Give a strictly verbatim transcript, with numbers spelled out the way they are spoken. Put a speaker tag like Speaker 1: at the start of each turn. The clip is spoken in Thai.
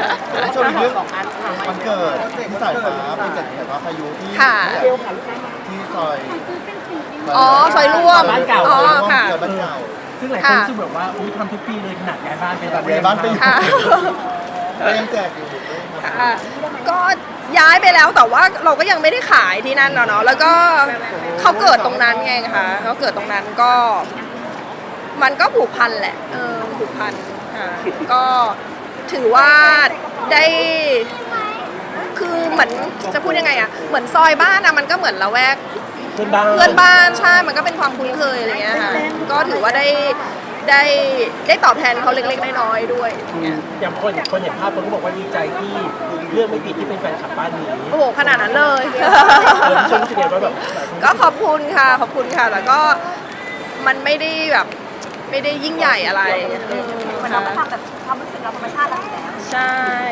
Speaker 1: ช่วงนี้เรื่องวันเกิดที่สายฟ้าเป็นเจ็ดสายฟ้าพายุที่ที่ซอย
Speaker 2: อ๋อซอยร่วม
Speaker 3: บ้านเก่า
Speaker 2: อ๋อค่ะ
Speaker 1: เกิดบ้านเก่า
Speaker 3: ซึ่งหลายคนรู้สึกแบบว่าอุ้ยทำทุกปีเลยขนาดย้ายบ้านไป
Speaker 1: ตัดย้ายบ้านไปอยู่
Speaker 2: ค่ะ
Speaker 1: ก็ยังแจกอยู่
Speaker 2: ค่ะก็ย้ายไปแล้วแต่ว่าเราก็ยังไม่ได้ขายที่นั่นเนาะแล้วก็เขาเกิดตรงนั้นไงคะเขาเกิดตรงนั้นก็ มันก็ผูกพันแหละเออผูกพันค่ะก็ถือว่าได้ คือเหมือนจะพูดยังไงอะเหมือนซอยบ้านอะมันก็เหมือนละแวก
Speaker 3: เพื่อนบ้าน
Speaker 2: เพื่อนบ้านใช่มันก็เป็นความคุ้นเคยอะไรเงี้ยค่ะก็ถือว่าได้ได้ได้ตอบแทนเขาเล็กๆน้อยๆด้วย
Speaker 3: อย่างคนคนเห็นภาพคนก็บอกว่าดีใจที่เรื่องไม่ผิดที่เป็นแฟนคลับบ้านนี้
Speaker 2: โอ้โหขนาดนั้นเลย
Speaker 3: เออที่ชมรู้สึกไงว่าแบบ
Speaker 2: ก็ขอบคุณค่ะขอบคุณค่ะแล้วก็มันไม่ได้แบบไม่ได้ยิ่งใหญ่อะไร
Speaker 4: เหมือนเราก็ทำแบบความรู้สึกเราธรรมชาติเราอยู่แล้ว
Speaker 2: ใช่